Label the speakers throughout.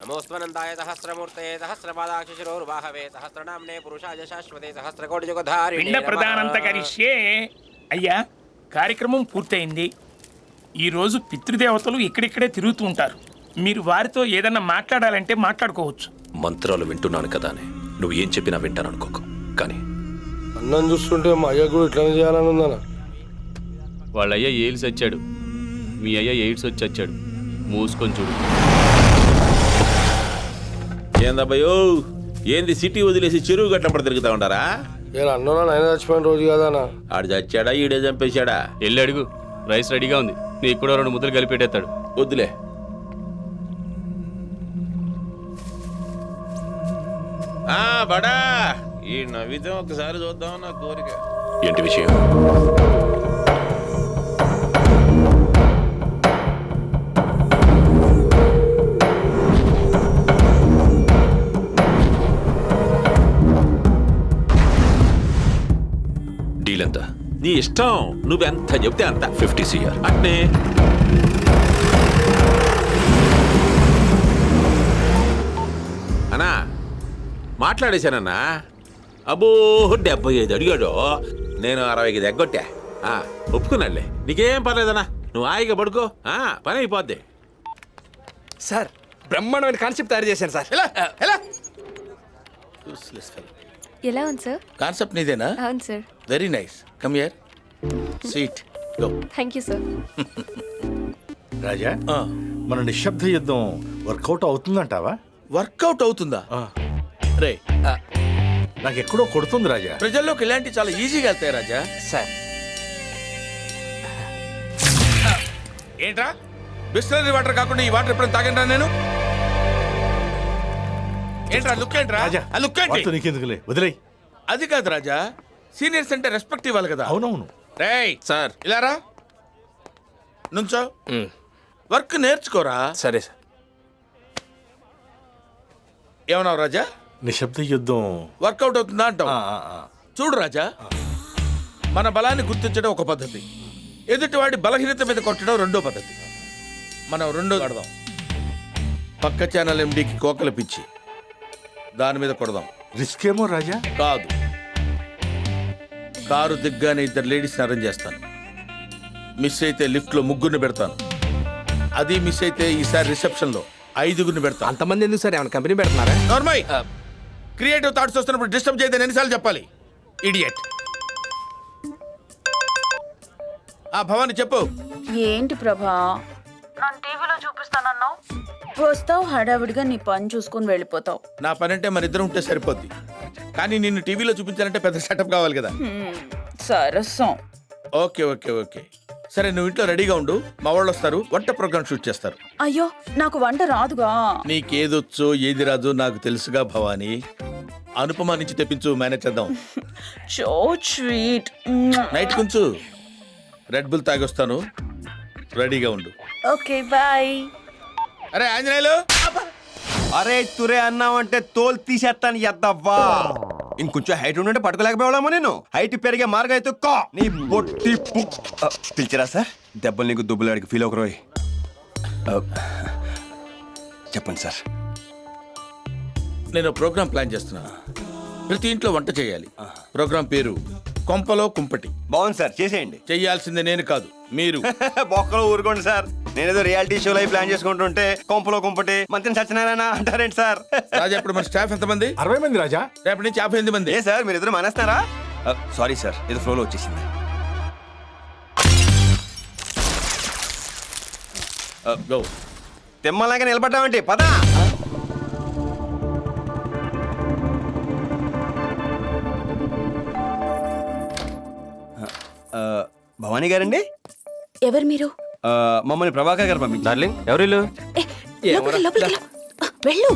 Speaker 1: నమోస్వనందాయ సహస్రమూర్తయే సహస్రపాదాక్షిశిరోర్వాహవే సహస్రనామ్నే పురుషాయ శాశ్వతే సహస్రకోటియుగధారిణే
Speaker 2: పిండ ప్రదానంత కరిష్యే. అయ్యా, కార్యక్రమం పూర్తయింది. ఈరోజు పితృదేవతలు ఇక్కడిక్కడే తిరుగుతూ ఉంటారు. మీరు వారితో ఏదన్నా మాట్లాడాలంటే మాట్లాడుకోవచ్చు.
Speaker 3: మంత్రాలు వింటున్నాను కదా అని నువ్వు ఏం చెప్పినా వింటాను అనుకోకు. కానీ
Speaker 4: అన్నం చూస్తుంటే మా అయ్య కూడా ఇట్లా చేయాలని ఉందన్న.
Speaker 5: వాళ్ళ అయ్య ఎయిడ్స్ వచ్చాడు, మీ అయ్య ఎయిడ్స్ వచ్చి వచ్చాడు. మూసుకొని చూడు.
Speaker 6: ఏందబ్బయో, ఏంది సిటీ వదిలేసి చెరువు గట్లప్పుడు తిరుగుతా ఉంటారా?
Speaker 4: ఇలా అన్నోనా నాయన చచ్చిపోయిన రోజు కాదన్నా.
Speaker 6: ఆడు చచ్చాడా ఈడే చంపేశాడా?
Speaker 5: వెళ్ళి అడుగు, రైస్ రెడీగా ఉంది. నీకు కూడా 2 ముద్దలు కలిపి పెట్టేస్తాడు.
Speaker 6: వద్దులే. బడా ఈ నవ్వితే ఒకసారి చూద్దాం నా కోరిక.
Speaker 3: ఏంటి విషయం? డీల్ ఎంత?
Speaker 6: నీ ఇష్టం, నువ్వెంత చెప్తే అంత.
Speaker 3: 50 CR.
Speaker 6: అంటే అన్నా మాట్లాడేశానన్నా. అబ్బో 75 అడిగాడు, నేను 60కి దగ్గొట్టా. ఒప్పుకున్నాడులే, నీకేం పర్లేదన్నా. నువ్వు హాయిగా పడుకో, పని అయిపోద్ది.
Speaker 7: సార్, బ్రహ్మాండమైన కాన్సెప్ట్ తయారు చేశాను సార్.
Speaker 8: ఎలా ఉంది సార్?
Speaker 7: కాన్సెప్ట్ నీదేనా?
Speaker 8: అవును sir.
Speaker 7: Very nice. Come here, seat, go.
Speaker 8: Thank you sir.
Speaker 9: Raja, మన నిశ్శబ్ద యుద్ధం వర్కౌట్ అవుతుందంటావా?
Speaker 7: వర్కౌట్ అవుతుందా? రే,
Speaker 9: నాకు ఎక్కడో కొడుతుంది రాజా.
Speaker 7: ప్రజల్లోకి ఇలాంటి చాలా ఈజీగా వెళ్తాయి రాజా. సార్, ఏంట్రా బిస్లరీ వాటర్ కాకుండా ఈ వాటర్ ఎప్పుడైనా తాగండి నేను? ఏంట్రా లుక్ ఏంట్రా?
Speaker 9: రాజా,
Speaker 7: ఆ లుక్ ఏంటి?
Speaker 9: వాటితో నీకెందుకులే, వదిలేయ్.
Speaker 7: అది కాదు రాజా, సీనియర్స్ అంటే రెస్పెక్ట్ ఇవ్వాలి కదా.
Speaker 9: అవునవును
Speaker 7: రేయ్
Speaker 5: సార్.
Speaker 7: ఇలా రా, నుంచో. వర్క్ నేర్చుకోరా.
Speaker 5: సరే సార్.
Speaker 7: ఏమన్నావు రాజా?
Speaker 9: నిశ్శబ్ద యుద్ధం
Speaker 7: వర్కౌట్ అవుతుందా అంటావు? చూడు రాజా, మన బలాన్ని గుర్తించడం ఒక పద్ధతి, ఎదుటివాడి బలహీనత మీద కొట్టడం రెండో పద్ధతి. మనం రెండో ఆడదాం. పక్క ఛానల్ ఎండికి కోకలు పిచ్చి, దాని మీద కొడదాం.
Speaker 9: రిస్క్ ఏమో రాజా.
Speaker 7: కాదు, కారు దిగ్గానే 2 లేడీస్ని అరేంజ్ చేస్తాను. మిస్ అయితే లిఫ్ట్లో 3 పెడతాను. అది మిస్ అయితే ఈసారి రిసెప్షన్లో 5 పెడతాను.
Speaker 1: అంతమంది ఎందుకు సార్? ఏమైనా కంపెనీ పెడుతున్నారా?
Speaker 7: నార్మల్ క్రియేటివ్ థాట్స్ వస్తున్నప్పుడు డిస్టర్బ్ చేయదని ఎన్నిసార్లు చెప్పాలి? ఇడియట్. భవాని చెప్పు.
Speaker 10: ఏంటి ప్రభా, నన్ను టీవీలో చూపిస్తానన్నావు, వస్తావు హడావిడిగా నీ పని చూసుకొని వెళ్ళిపోతావు.
Speaker 7: నా పని అంటే మన ఇద్దరం ఉంటే సరిపోద్ది, కానీ నిన్ను టీవీలో చూపించాలంటే పెద్ద సెటప్ కావాలి కదా.
Speaker 10: సరసం.
Speaker 7: ఓకే ఓకే ఓకే, సరే నువ్వు ఇంట్లో రెడీగా ఉండు. మా వాళ్ళు వస్తారు, వంట ప్రోగ్రామ్ షూట్ చేస్తారు.
Speaker 10: అయ్యో, నాకు వంట రాదుగా.
Speaker 7: నీకేదొచ్చో ఏది రాదు నాకు తెలుసుగా భవానీ. అనుపమ నుంచి తెప్పించు, మేనేజ్ చేద్దాం.
Speaker 10: So sweet.
Speaker 7: నైట్ కొంచెం రెడ్ బుల్ తాగొస్తాను, రెడీగా ఉండు.
Speaker 10: Okay bye.
Speaker 7: అరే ఆంజనేయులు,
Speaker 1: అరే తురే అన్నావంటే తోలు తీసేస్తాను ఎద్దవ్వా. ఇంకొంచెం హైట్ ఉంటే పట్టుకోలేకపోయామో. నేను హైట్ పెరిగే మార్గం అయితే నీ బొట్టి పిలిచిరా సార్. దెబ్బలు నీకు దుబ్బులాడికి ఫీల్ ఒకరోయ్. చెప్పండి సార్.
Speaker 7: నేను ప్రోగ్రామ్ ప్లాన్ చేస్తున్నాను. ప్రతి ఇంట్లో వంట చేయాలి. ప్రోగ్రామ్ పేరు కొంపలో కుంపటి.
Speaker 1: బాగుంది సార్, చేసేయండి.
Speaker 7: చెయ్యాల్సింది నేను కాదు, మీరు.
Speaker 1: బొక్కలో ఊరుకోండి సార్. నేనేదో రియాలిటీ షో లైవ్ ప్లాన్ చేసుకుంటుంటే కొంపలో కుంపటి మంత్రి సత్యనారాయణ అంటారేంటి సార్?
Speaker 7: రాజా, ఇప్పుడు మన స్టాఫ్ ఎంతమంది?
Speaker 9: 60 మంది రాజా.
Speaker 7: రేపటి నుంచి 58 మంది.
Speaker 1: ఏ సార్, మీరు ఇద్దరు మానేస్తున్నారా? సారీ సార్, ఏదో ఫ్లోలో వచ్చేసింది.
Speaker 7: గో.
Speaker 1: తిమ్మలాగా నిలబడ్డామంటే పదా. భవానీ గారండి?
Speaker 10: ఎవరు మీరు?
Speaker 1: మమ్మల్ని ప్రభాకర్ గారు పంపించారు.
Speaker 3: డార్లింగ్, ఎవరిల్లు?
Speaker 10: వెళ్ళు.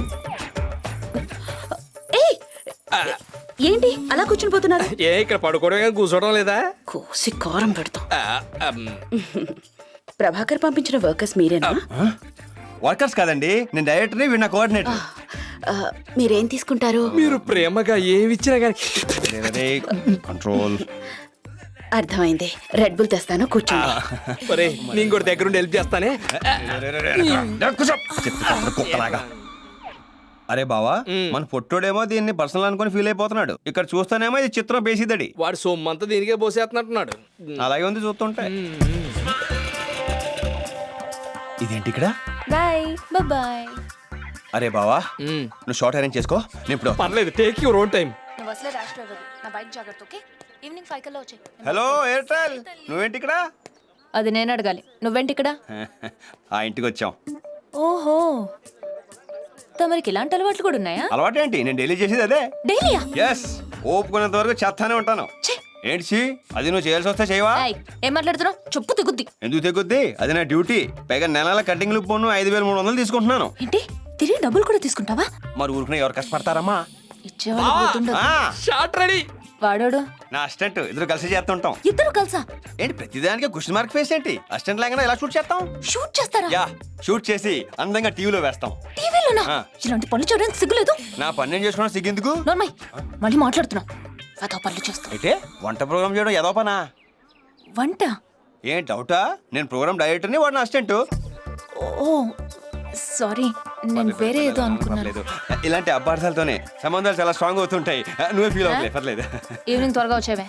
Speaker 10: ఏంటి అలా కూర్చుని పోతున్నారు?
Speaker 1: ఇక్కడ పడుకోవడం కూర్చోవడం లేదా?
Speaker 10: కోసి కారం పెడతాం. ప్రభాకర్ పంపించిన వర్కర్స్ మీరేనా?
Speaker 1: వర్కర్స్ కాదండి, నేను డైరెక్టర్ని, వీడు నా కోఆర్డినేటర్.
Speaker 10: మీరేం తీసుకుంటారు?
Speaker 1: మీరు ప్రేమగా ఏమిచ్చినా కానీ కంట్రోల్.
Speaker 10: అర్థమైంది. రెడ్ బుల్ తెస్తాను, కూర్చోండి.
Speaker 1: నేను కూడా దగ్గరుండి హెల్ప్ చేస్తానే. కుక్కలాగా అరే బావా మన పొట్టోడేమో దీన్ని పర్సనల్ అనుకుని ఫీల్ అయిపోతున్నాడు. ఇక్కడ చూస్తానేమో ఇది చిత్రం బేసిదడి.
Speaker 4: వాడు సొమ్మంతా దీనికే పోసేస్తున్నట్టున్నాడు.
Speaker 1: అలాగే ఉంది చూస్తుంటే. ఇదేంటి ఇక్కడ?
Speaker 8: Bye bye.
Speaker 1: అరే బావా నువ్వు షార్ట్ అరేంజ్ చేసుకో, నేను ఇప్పుడు.
Speaker 4: పర్లేదు, టేక్ యువర్ ఓన్ టైం.
Speaker 8: నువ్వు అసలే ర్యాష్ డ్రైవర్. నా బైక్ జాగ్రత్త, ఓకే? ఈవినింగ్ 5 కల్లా వచ్చే.
Speaker 1: హలో ఎయిర్టెల్, నువ్వేంటి ఇక్కడ?
Speaker 8: అది నేను అడగాలి, నువ్వేంటి ఇక్కడ?
Speaker 1: ఆ ఇంటికి వచ్చాం.
Speaker 8: ఓహో, తమరికి ఇలాంటి అలవాట్లు కూడా ఉన్నాయా?
Speaker 1: అలవాటు ఏంటి, నేను డైలీ చేసేది అదే.
Speaker 8: డైలీయా?
Speaker 1: ఎస్, ఓపుకునేంత వరకు చేస్తానే ఉంటాను. ఏంటి సి, అది నువ్వు చేయాల్సి వస్తే చేయవా?
Speaker 8: ఏం మాట్లాడుతున్నావు? చెప్పు తెగుద్ది.
Speaker 1: ఎందుకు తెగుద్ది? అది నా డ్యూటీ. పైగా నెలల కటింగ్ లు పోను 5300 తీసుకుంటున్నాను.
Speaker 8: ఏంటి, తిరిగి డబ్బులు కూడా తీసుకుంటావా?
Speaker 1: మరి ఊరుకునే ఎవరు కష్టపడతారమ్మా?
Speaker 8: ఇచ్చేవాళ్ళు పోతుండదు.
Speaker 4: Short ready.
Speaker 8: వాడోడు
Speaker 1: నా అసిస్టెంట్, ఇద్దరు కలిసి చేస్తుంటాం.
Speaker 8: ఇద్దరు కలిసా?
Speaker 1: ఏంటి ప్రతిదానికి క్వశ్చన్ మార్క్ ఫేస్ ఏంటి? అసిస్టెంట్ లాగానే ఎలా షూట్ చేస్తాం?
Speaker 8: షూట్ చేస్తారా?
Speaker 1: యా, షూట్ చేసి అందంగా టీవీలో వేస్తాం.
Speaker 8: టీవీలోనా?
Speaker 1: ఆ.
Speaker 8: ఇలాంటి పనులు చేయడానికి సిగ్గులేదు?
Speaker 1: నా పని నేను చేసుకున్నా సిగ్గెందుకు?
Speaker 8: నోర్మై, మళ్ళీ మాట్లాడుతున్నా. అదో పనులు చేస్తా.
Speaker 1: అయితే వంట ప్రోగ్రామ్ చేయడం ఏదో పనా?
Speaker 8: వంట?
Speaker 1: ఏం డౌటా? నేను ప్రోగ్రామ్ డైరెక్టర్ని, వాడు నా అసిస్టెంట్.
Speaker 8: ఓ సారీ, నేను వేరే ఏదో అనుకున్నాను.
Speaker 1: పర్లేదు. ఇలాంటి అపార్థాలతోనే సంబంధాలు చాలా స్ట్రాంగ్ అవుతుంటాయి. నువ్వే ఫీల్ అవ్వలే, పర్లేదు.
Speaker 8: ఈవినింగ్ త్వరగా వచ్చేవే.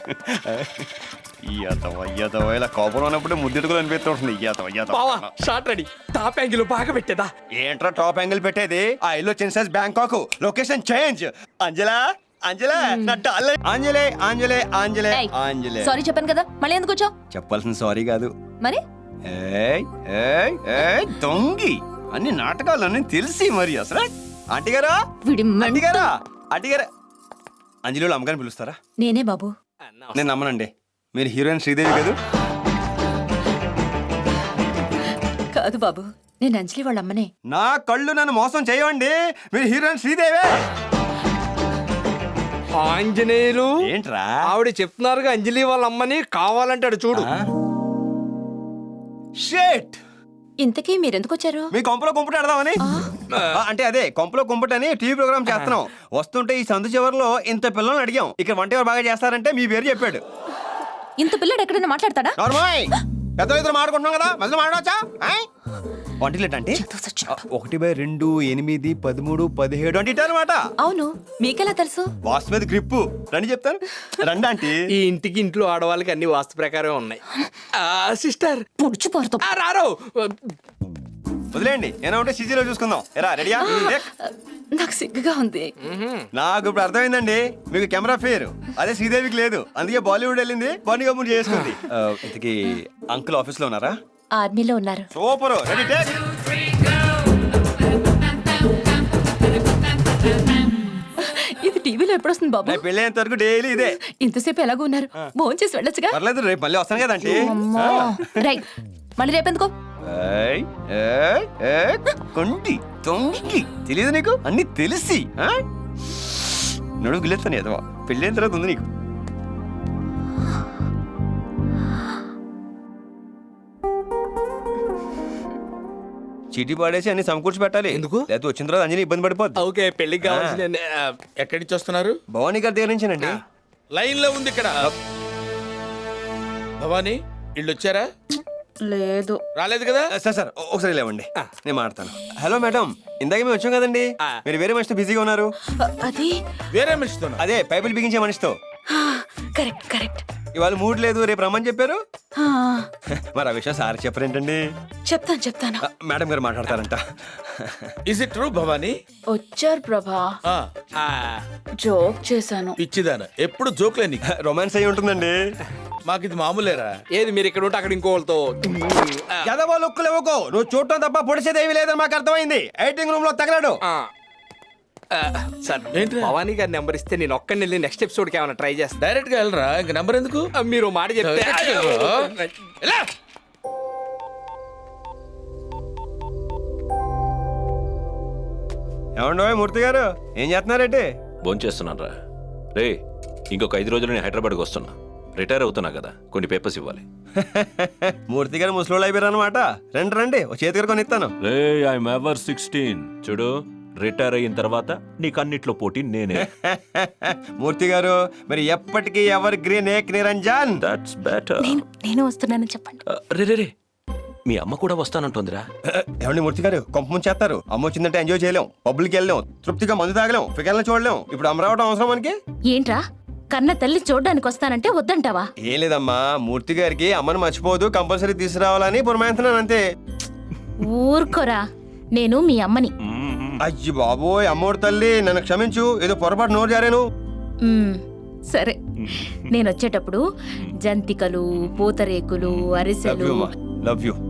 Speaker 1: ఇలా కోపం ఉన్నప్పుడు ముద్దెట్టుకుని అనిపిస్తుంటుంది.
Speaker 4: బావా షార్ట్ రెడీ. టాప్ యాంగిల్ బాగా పెట్టేదా?
Speaker 1: ఏంట్రా టాప్ యాంగిల్ పెట్టేది? ఆ ఇల్లు చిన్న Bangkok, location change. Anjala Anjala నా డార్లింగ్. ఆంజలే ఆంజలే ఆంజలే ఆంజలే.
Speaker 8: సారీ చెప్పాను కదా, మళ్ళీ ఎందుకు వచ్చావు?
Speaker 1: చెప్పాల్సిన సారీ కాదు.
Speaker 8: మరి
Speaker 1: ఏయ్ ఏయ్ ఏయ్ దొంగి, అన్ని నాటకాలు అన్నీ తెలిసి మరి అసలు. ఆంటీ గారా,
Speaker 8: వీడి
Speaker 1: ఆంటీ గారా, ఆంటీ గారా. అంజలిలో అమ్మగారిని పిలుస్తారా?
Speaker 8: నేనే బాబు.
Speaker 1: నేను నమ్మనండి, మీరు హీరోయిన్ శ్రీదేవి కదా?
Speaker 8: కాదు బాబు, నేను అంజలి వాళ్ళ అమ్మనే.
Speaker 1: నా కళ్ళు నన్ను మోసం చేయవండి, మీరు హీరోయిన్ శ్రీదేవే.
Speaker 4: ఆంజనేయులు
Speaker 1: ఏంట్రా?
Speaker 4: ఆవిడ చెప్తున్నారుగా అంజలి వాళ్ళ అమ్మని, కావాలంటాడు చూడు.
Speaker 1: షేట్,
Speaker 8: ఇంతకీ మీరెందుకు వచ్చారు?
Speaker 1: మీ కొంపలో కుంపట ఆడదామని. అంటే అదే కొంపలో కుంపటని టీవీ ప్రోగ్రామ్ చేస్తున్నాం. వస్తుంటే ఈ సందు చివరిలో ఇంత పిల్లల్ని అడిగాం, ఇక్కడ వంట ఎవరు బాగా చేస్తారంటే మీ పేరు చెప్పాడు.
Speaker 8: ఇంత పిల్లడు ఎక్కడైనా మాట్లాడతాడా?
Speaker 1: నార్మల్ పెద్ద ఇద్దరు మాట్లాడుకుంటున్నాం కదా, మధ్యలో మాట్లాడవచ్చా? వంటలేట్ అంటే 1/2, 8, 13, 17 అంటే అనమాట.
Speaker 8: అవును, మీకెలా తెలుసు?
Speaker 1: వాస్తు మీద గ్రిప్పు రండి చెప్తాను. రండి ఆంటీ.
Speaker 4: ఈ ఇంటికి ఇంట్లో ఆడవాళ్ళకి అన్ని వాస్తు ప్రకారం ఉన్నాయి. సిస్టర్
Speaker 8: పుడుచు పోరుతాం.
Speaker 4: రారో.
Speaker 1: వదిలేండి, ఏనా ఉంటే సిజీలో చూసుకుందాం. ఎరా రెడీయా?
Speaker 8: నాకు సిగ్గుగా ఉంది.
Speaker 1: నాకు ఇప్పుడు అర్థమైందండి, మీకు కెమెరా ఫేర్ అదే శ్రీదేవికి లేదు, అందుకే బాలీవుడ్ వెళ్ళింది, బన్నీ కపూర్ చేసుకుంది. ఇంతకీ అంకుల్ ఆఫీస్ లో ఉన్నారా?
Speaker 8: ఆర్మీలో ఉన్నారు.
Speaker 1: సూపర్. Ready take.
Speaker 8: ఇది టీవీలో ఎప్పుడు వస్తుంది బాబు?
Speaker 1: పెళ్ళేంత వరకు డైలీ ఇదే.
Speaker 8: ఇంతసేపు ఎలాగో ఉన్నారు, భోజనం చేసి వెళ్ళొచ్చుగా.
Speaker 1: పర్లేదు, రేపు మళ్ళీ వస్తాను కదండి.
Speaker 8: రైట్, మళ్ళీ రేపెందుకో?
Speaker 1: కొండి తొంగి తెలియదు నీకు, అన్ని తెలిసి నడుగు గిలేస్తాను ఏదో. పెళ్ళైన తర్వాత ఉంది నీకు. చీటీ పాడేసి అన్ని సమకూర్చి పెట్టాలి.
Speaker 7: ఎందుకు?
Speaker 1: లేకపోతే వచ్చిన తర్వాత అంజని ఇబ్బంది పడిపోద్ది.
Speaker 4: ఓకే, పెళ్లికి కావాల్సిన
Speaker 7: ఎక్కడి నుంచి వస్తున్నారు?
Speaker 1: భవానీ గారి దగ్గర నుంచేనండి.
Speaker 7: లైన్ లో ఉంది ఇక్కడ. భవానీ ఇళ్ళు వచ్చారా?
Speaker 10: లేదు.
Speaker 7: రాలేదు కదా?
Speaker 1: సార్ సార్ ఒకసారి లేవండి, నేను మాట్లాడతాను. హలో మేడం, ఇందాక మేము వచ్చాం కదండి, మీరు వేరే మనిషితో బిజీగా ఉన్నారు.
Speaker 10: అది
Speaker 7: వేరే మనిషితో?
Speaker 1: అదే పైపులు బిగించే మనిషితో.
Speaker 10: Correct correct.
Speaker 1: ఇవాళ మూడ్ లేదు, రేపు రమ్మని చెప్పారు. మరి ఆ విషయం సార్ చెప్పరేంటండి?
Speaker 10: చెప్తాను చెప్తాను.
Speaker 1: మేడం గారు మాట్లాడతారంట.
Speaker 7: Is it true Bhavani?
Speaker 10: వచ్చారు ప్రభా,
Speaker 7: ఆ,
Speaker 10: జోక్ చేశాను.
Speaker 7: పిచ్చిదాన, ఎప్పుడు జోక్లే నీకు.
Speaker 1: రొమాన్స్ అయి ఉంటుందండి.
Speaker 7: మాకు ఇది మామూలేరా?
Speaker 4: ఏది మీరు ఇక్కడ ఉంటే అక్కడ ఇంకోళ్ళతో.
Speaker 1: ఎదవో లుక్కులు ఇవ్వకో, నువ్వు చూడటం తప్ప పొడిచేది ఏమీ లేదని మాకు అర్థమైంది. ఎడిటింగ్ రూమ్ లో తగలడు.
Speaker 4: సార్
Speaker 7: ఏంటి?
Speaker 4: భవానీ గారి నెంబర్ ఇస్తే నేను ఒక్కడిని వెళ్ళి నెక్స్ట్ ఎపిసోడ్ కి ఏమైనా ట్రై చేస్తాను.
Speaker 7: డైరెక్ట్ గా వెళ్ళరా, ఇంక నెంబర్ ఎందుకు?
Speaker 4: మీరు మాట చెప్తే.
Speaker 7: ఎలా?
Speaker 1: ఏమండో మూర్తి గారు, ఏం చేస్తున్నారేంటి?
Speaker 3: భోంచేస్తున్నాను రా. రే, ఇంకొక 5 రోజులు నేను హైదరాబాద్కి వస్తున్నా. రిటైర్ అవుతున్నా కదా, కొన్ని పేపర్స్ ఇవ్వాలి.
Speaker 1: మూర్తి గారు ముసలోళ్ళు అయిపోయారు అనమాట. రండి రండి, ఓ చేతి గారు కొని ఇస్తాను.
Speaker 3: రే, ఐఎమ్ ఎవర్ 16. చూడు, రిటైర్ అయిన తర్వాత నీకు అన్నిట్లో పోటీ నేనే.
Speaker 1: మూర్తి గారు, మరి ఎప్పటికీ evergreen Ek Niranjan.
Speaker 3: That's better.
Speaker 8: నేను వస్తున్నానని చెప్పండి.
Speaker 3: రే రే రే, మీ అమ్మ కూడా వస్తానంటోందిరా.
Speaker 1: ఏమండి మూర్తి గారు కొంప ముంచేస్తారు. అమ్మ వచ్చిందంటే ఎంజాయ్ చేయలేం, పబ్బులకి వెళ్ళలేం, తృప్తిగా మందు తాగలేం, ఫిగర్లను చూడలేం. ఇప్పుడు అమ్మ రావడం అవసరం మనకి?
Speaker 8: ఏంట్రా కన్న తల్లి చూడ్డానికి వస్తానంటే వద్దంటావా?
Speaker 1: ఏం లేదమ్మా, మూర్తి గారికి అమ్మను మర్చిపోదు, కంపల్సరీ తీసుకురావాలని పురమాయించున్నాను అంతే.
Speaker 8: ఊరుకోరా, నేను మీ అమ్మని.
Speaker 1: అయ్యి బాబోయ్, అమ్మోడు తల్లి నన్ను క్షమించు, ఏదో పొరపాటు నోరు జారాను.
Speaker 8: సరే, నేను వచ్చేటప్పుడు జంతికలు, పూతరేకులు, అరిసెలు.
Speaker 1: Love you.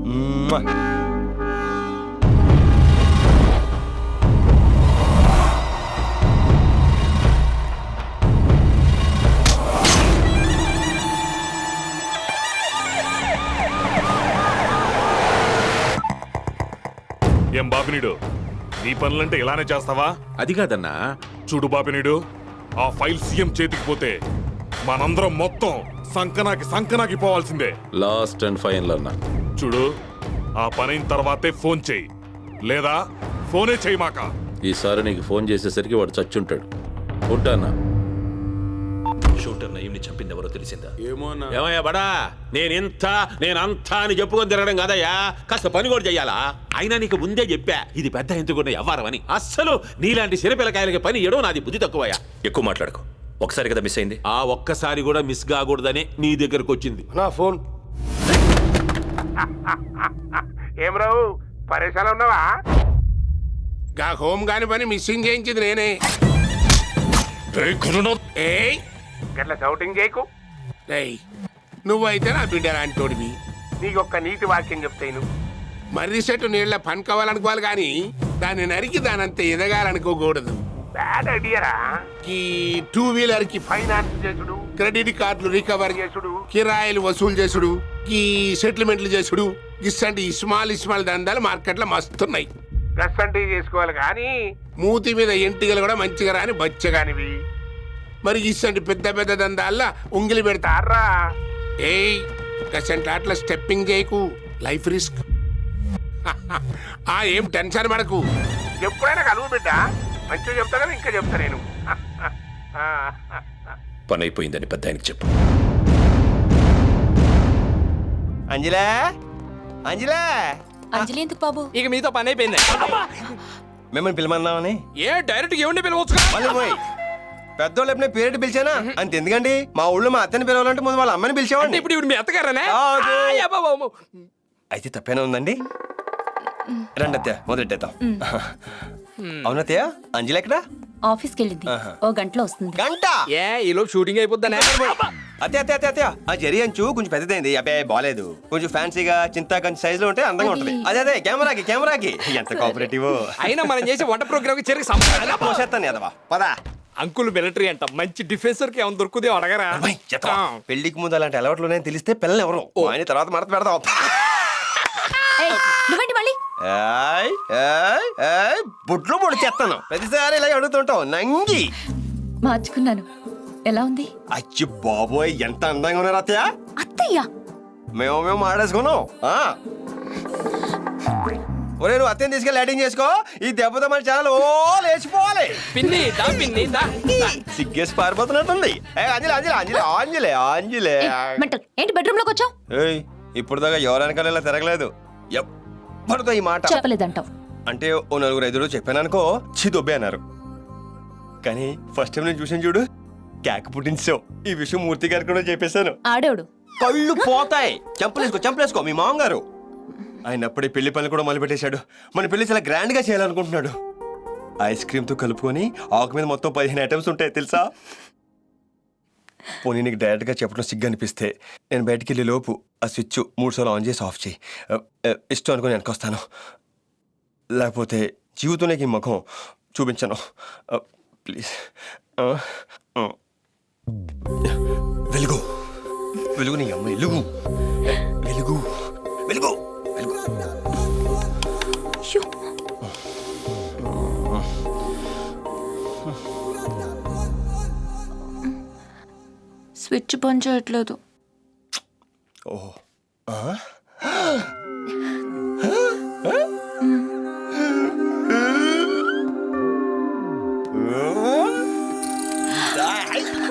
Speaker 11: ఏం బాపినీడు, నీ పనులంటే ఇలానే చేస్తావా?
Speaker 6: అది కాదన్నా.
Speaker 11: చూడు బాపినీడు, ఆ ఫైల్ సీఎం చేతికి పోతే మనందరం మొత్తం సంకనాకి పోవాల్సిందే.
Speaker 6: లాస్ట్ అండ్ ఫైనల్ అన్నా.
Speaker 11: చూడు, ఆ పనైన తర్వాతే ఫోన్ చెయ్యి, లేదా ఫోనే చెయ్యి మాక.
Speaker 6: ఈసారి నీకు ఫోన్ చేసేసరికి వాడు చచ్చుంటాడు. ఉంటానా?
Speaker 3: షూటర్ నయీంని చంపింది ఎవరో తెలిసిందా?
Speaker 6: ఏమయ్యా బడా, నేనంతా అని చెప్పుకొని తిరగడం కాదయ్యా, కాస్త పని కూడా చెయ్యాలా? అయినా నీకు ముందే చెప్పా, ఇది పెద్ద ఎందుకున్న వ్యవహారం అని. అస్సలు నీలాంటి సిరపిల్లకాయలకి పని ఇవ్వడం నాది బుద్ధి తక్కువయ్యా.
Speaker 3: ఎక్కువ మాట్లాడుకో, ఒకసారి కదా మిస్ అయింది.
Speaker 6: ఆ ఒక్కసారి కూడా మిస్ కాకూడదని నీ దగ్గరకు వచ్చింది.
Speaker 4: నా ఫోన్.
Speaker 7: ఏం రావు, పరేషాలు ఉన్నావా? గా హోమ్ గాని పని మిస్సింగ్ చేయించింది నేనే. ఏయ్ గట్ల షౌటింగ్ చేయకు. రేయ్, నువ్వైతే నా బిడ్డ లాంటి తోడివి. నీకొక్క నీతి వాక్యం చెప్తాను. మర్రి చెట్టు నీళ్ళ పని కావాలనుకోవాలి కానీ దాన్ని నరికి దానంతా ఎదగాలనుకోకూడదు. బ్యాడ్ ఐడియారా. ఈ 2 వీలర్ కి ఫైనాన్స్ చేసుడు, క్రెడిట్ కార్డులు రికవర్ చేసుడు, కిరాయిలు వసూలు చేసుడు, ఈ సెటిల్మెంట్లు చేసుడు, ఇసంటి ఇస్మాల్ దందాలు మార్కెట్లో మస్తున్నాయి. గస్సంటి చేసుకోవాలి కానీ మూతి మీద ఎంటికలు కూడా మంచిగా రాని బచ్చగానివి. మరి ఇసంటి పెద్ద పెద్ద దందాల్లో ఉంగిలి పెడతారా? ఏయ్, గసంటి అట్లా స్టెప్పింగ్ చేయకు, లైఫ్ రిస్క్. ఏం టెన్షన్ పడకు, ఎప్పుడైనా కలువు బిడ్డ. మంచిగా చెప్తా కదా, ఇంకా చెప్తా నేను.
Speaker 3: పని అయిపోయిందని పెద్ద ఆయనకి చెప్పు.
Speaker 1: అంజలా, అంజలా.
Speaker 8: అంజలి ఎందుకు బాబు?
Speaker 7: ఇక మీతో పని అయిపోయింది.
Speaker 1: మిమ్మల్ని పిలమన్నామని.
Speaker 7: ఏ డైరెక్ట్ ఏమండి పిలవచ్చు?
Speaker 1: పెద్దోళ్ళు ఎప్పుడైనా పేరెట్ పిలిచానా? అంత ఎందుకండి, మా ఊళ్ళో మా అత్తని పిలవాలంటే ముందు వాళ్ళ అమ్మని పిలిచేవాడిని.
Speaker 7: ఇప్పుడు మీ అత్తగారనే?
Speaker 1: అయితే తప్పేనా ఉందండి? రండి అత్తయ్య, మొదలెట్టేద్దాం. అవునత్తయ్య, అంజలి ఎక్కడా?
Speaker 8: ఆఫీస్కి వెళ్ళింది, ఓ గంటలో వస్తుంది.
Speaker 1: గంట?
Speaker 7: ఏ ఈలో షూటింగ్ అయిపోద్దనే?
Speaker 1: అత్తయ్య ఆ జరి అంచు కొంచెం పెద్దదైంది. అబ్బాయి బాలేదు, కొంచెం ఫ్యాన్సీగా చింతాకంచి సైజ్ లో ఉంటే అందంగా ఉంటది. అదే కెమెరాకి ఎంత కోఆపరేటివ్.
Speaker 7: అయినా మనం చేసే వంట ప్రోగ్రామ్ కి చెరికి సంబంధం
Speaker 1: పోసేస్తాను ఎదవా, పదా.
Speaker 7: అంకుల్ మిలిటరీ అంట, మంచి డిఫెన్సర్ కి ఏమైనా దొరుకుదే అడగరా?
Speaker 1: పెళ్లికి ముందు అలాంటి అలవాట్లు తెలిస్తే పిల్లలు ఎవరు ఆయన తర్వాత మడత పెడదాం.
Speaker 8: నువ్వేంటి మళ్ళీ?
Speaker 1: బుట్లు పొడి చేస్తాను, ప్రతిసారి ఇలా అడుగుతుంటావు నంగి.
Speaker 8: మార్చుకున్నాను. ఎలా ఉంది?
Speaker 1: అచ్చి బాబోయ్, ఎంత అందంగా ఉన్నారు అత్తయ్య.
Speaker 8: అత్తయ్య
Speaker 1: మేము మాడేసుకున్నాం. ఒరే, నువ్వు అత్తయ్యని తీసుకెళ్ళి లైటింగ్ చేసుకో. ఈ దెబ్బతో మన ఛానల్ ఓ లేచిపోవాలి. సిగ్గేసి పారిపోతున్నట్టుంది. అంజలే
Speaker 8: ఏంటి బెడ్రూమ్ లోకి వచ్చావు?
Speaker 1: ఇప్పుడు దాకా ఎవరనకాల ఇలా తిరగలేదు. ఎప్పటితో ఈ మాట
Speaker 8: చెప్పలేదంటావు
Speaker 1: అంటే ఓ 4-5 చెప్పాను అనుకో, దొబ్బే అన్నారు. కానీ ఫస్ట్ టైం నేను చూసాను చూడు, కేక పుట్టించావు. ఈ విషయం మూర్తి గారికి కూడా చెప్పేశాను.
Speaker 8: ఆడేవుడు
Speaker 1: కళ్ళు పోతాయి. చంపలేసుకో మీ మామగారు. ఆయన అప్పుడే పెళ్లి పనులు కూడా మొదలుపెట్టేశాడు. మన పెళ్లి చాలా గ్రాండ్ గా చేయాలనుకుంటున్నాడు. ఐస్ క్రీమ్ తో కలుపుకొని ఆకు మీద మొత్తం 15 ఐటమ్స్ ఉంటాయి తెలుసా. పోనీ నీకు డైరెక్ట్ గా చెప్పడం సిగ్గు అనిపిస్తే నేను బయటికి వెళ్ళే లోపు ఆ స్విచ్ 3 సార్లు ఆన్ చేసి ఆఫ్ చేయి. ఇష్టం అనుకుని వెనకొస్తాను. లేకపోతే జీవితం నీకు ఈ ముఖం చూపించను. ప్లీజ్. వెలుగు వెలుగు నీ అమ్మ, వెలుగు వెలుగు వెలుగు వెలుగు.
Speaker 10: స్విచ్ పని చేయట్లేదు.
Speaker 1: ఓ